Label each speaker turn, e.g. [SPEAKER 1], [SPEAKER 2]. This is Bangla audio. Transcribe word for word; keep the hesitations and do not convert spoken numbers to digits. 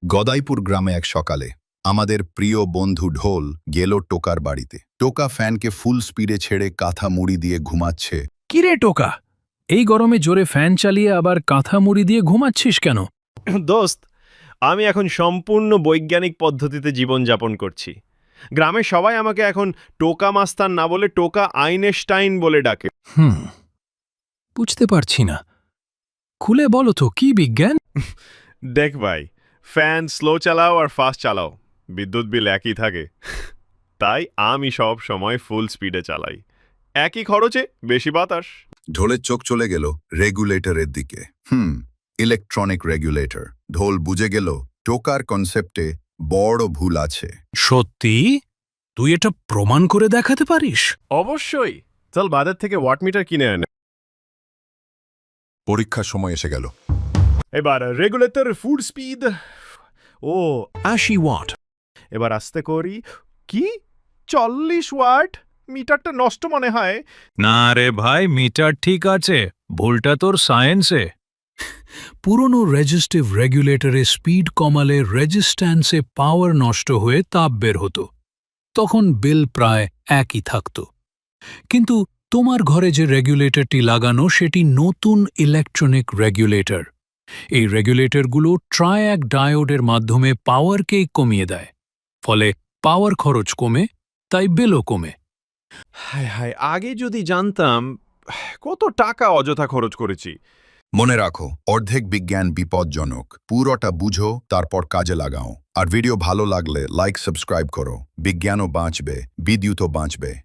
[SPEAKER 1] গদাইপুর গ্রামে এক সকালে আমাদের প্রিয় বন্ধু ঢোল গেল টোকার বাড়িতে। টোকা ফ্যানকে ফুল স্পিডে ছেড়ে কাঁথা মুড়ি দিয়ে ঘুমাচ্ছে।
[SPEAKER 2] কিরে টোকা, এই গরমে জোরে ফ্যান চালিয়ে আবার কাঁথা মুড়ি দিয়ে ঘুমাচ্ছিস কেন?
[SPEAKER 3] দোস্ত, আমি এখন সম্পূর্ণ বৈজ্ঞানিক পদ্ধতিতে জীবনযাপন করছি। গ্রামের সবাই আমাকে এখন টোকা মাস্তান না বলে টোকা আইনস্টাইন বলে ডাকে।
[SPEAKER 2] হুম বুঝতে পারছি না, খুলে বলো তো কি বিজ্ঞান?
[SPEAKER 3] দেখ ভাই, ফ্যান স্লো চালাও আর ফাস্ট চালাও, বিদ্যুৎ বিল একই থাকে। তাই আমি সব সময় ফুল স্পিডে চালাই, একই খরচে বেশি বাতাস।
[SPEAKER 1] ঢোলের চোখ চলে গেল রেগুলেটরের দিকে। হুম ইলেকট্রনিক রেগুলেটর। ঢোল বুঝে গেল টোকার কনসেপ্টে বড় ভুল আছে।
[SPEAKER 2] সত্যি? তুই এটা প্রমাণ করে দেখাতে পারিস?
[SPEAKER 3] অবশ্যই, চল বাজার থেকে ওয়াট মিটার কিনে আনে।
[SPEAKER 1] পরীক্ষার সময় এসে গেল।
[SPEAKER 3] এবার রেগুলেটর ফুড স্পিড ও
[SPEAKER 2] আশি ওয়াট।
[SPEAKER 3] এবার আস্তে করি। কি চল্লিশ ওয়াট? মিটারটা নষ্ট মনে হয়।
[SPEAKER 2] না রে ভাই, মিটার ঠিক আছে, ভুলটা তোর সায়েন্সে। পুরনো রেজিস্টিভ রেগুলেটরে স্পিড কমালে রেজিস্ট্যান্সে পাওয়ার নষ্ট হয়ে তাপ বের হতো, তখন বিল প্রায় একই থাকত। কিন্তু তোমার ঘরে যে রেগুলেটরটি লাগানো সেটি নতুন ইলেকট্রনিক রেগুলেটর। এই রেগুলেটরগুলো ট্রায়াক ডায়োডের মাধ্যমে পাওয়ারকে কমিয়ে দেয়, ফলে পাওয়ার খরচ কমে, তাই বিলও কমে।
[SPEAKER 3] হায় হায়, আগে যদি জানতাম। কত টাকা অযথা খরচ করেছি।
[SPEAKER 1] মনে রাখো, অর্ধেক বিজ্ঞান বিপজ্জনক। পুরোটা বুঝো, তারপর কাজে লাগাও। আর ভিডিও ভালো লাগলে লাইক সাবস্ক্রাইব করো। বিজ্ঞানও বাঁচবে, বিদ্যুৎও বাঁচবে।